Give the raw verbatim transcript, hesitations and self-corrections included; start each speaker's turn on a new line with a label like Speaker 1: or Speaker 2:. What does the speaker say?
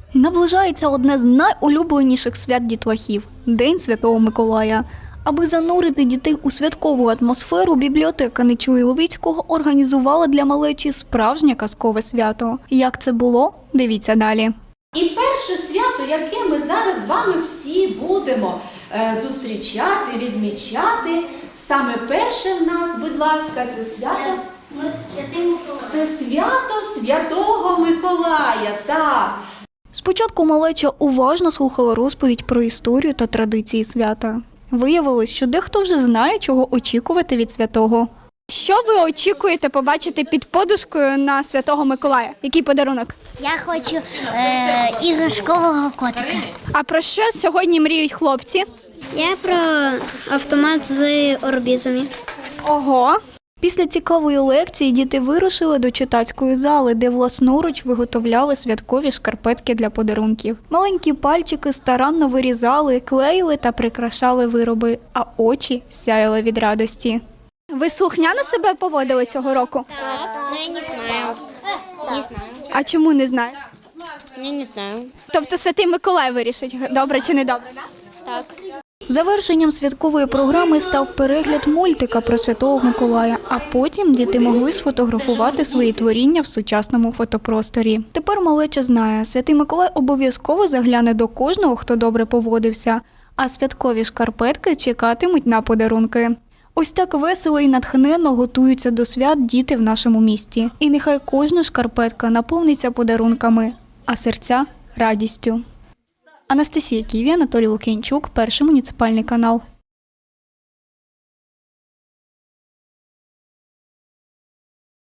Speaker 1: Наближається одне з найулюбленіших свят дітлахів – День Святого Миколая. Аби занурити дітей у святкову атмосферу, бібліотека Нечуї Левицького організувала для малечі справжнє казкове свято. Як це було? Дивіться далі.
Speaker 2: І перше свято, яке ми зараз з вами всі будемо е, зустрічати, відмічати, саме перше в нас, будь ласка, це свято.
Speaker 3: Святий Миколай.
Speaker 2: Це свято Святого Миколая, так.
Speaker 1: Спочатку малеча уважно слухала розповідь про історію та традиції свята. Виявилось, що дехто вже знає, чого очікувати від святого. Що ви очікуєте побачити під подушкою на Святого Миколая? Який подарунок?
Speaker 3: Я хочу е, іграшкового котика.
Speaker 1: А про що сьогодні мріють хлопці?
Speaker 3: Я про автомат з орбізами.
Speaker 1: Ого! Після цікавої лекції діти вирушили до читацької зали, де власноруч виготовляли святкові шкарпетки для подарунків. Маленькі пальчики старанно вирізали, клеїли та прикрашали вироби, а очі сяяли від радості. Ви слухняно себе поводили цього року?
Speaker 4: Я не знаю. Не знаю.
Speaker 1: А чому не знаєш?
Speaker 4: Я не знаю.
Speaker 1: Тобто Святий Миколай вирішить, добре чи не добре, так?
Speaker 4: Так.
Speaker 1: Завершенням святкової програми став перегляд мультика про Святого Миколая, а потім діти могли сфотографувати свої творіння в сучасному фотопросторі. Тепер малеча знає, Святий Миколай обов'язково загляне до кожного, хто добре поводився, а святкові шкарпетки чекатимуть на подарунки. Ось так весело і натхненно готуються до свят діти в нашому місті. І нехай кожна шкарпетка наповниться подарунками, а серця – радістю. Анастасія Ківі, Анатолій Лук'янчук, Перший муніципальний канал.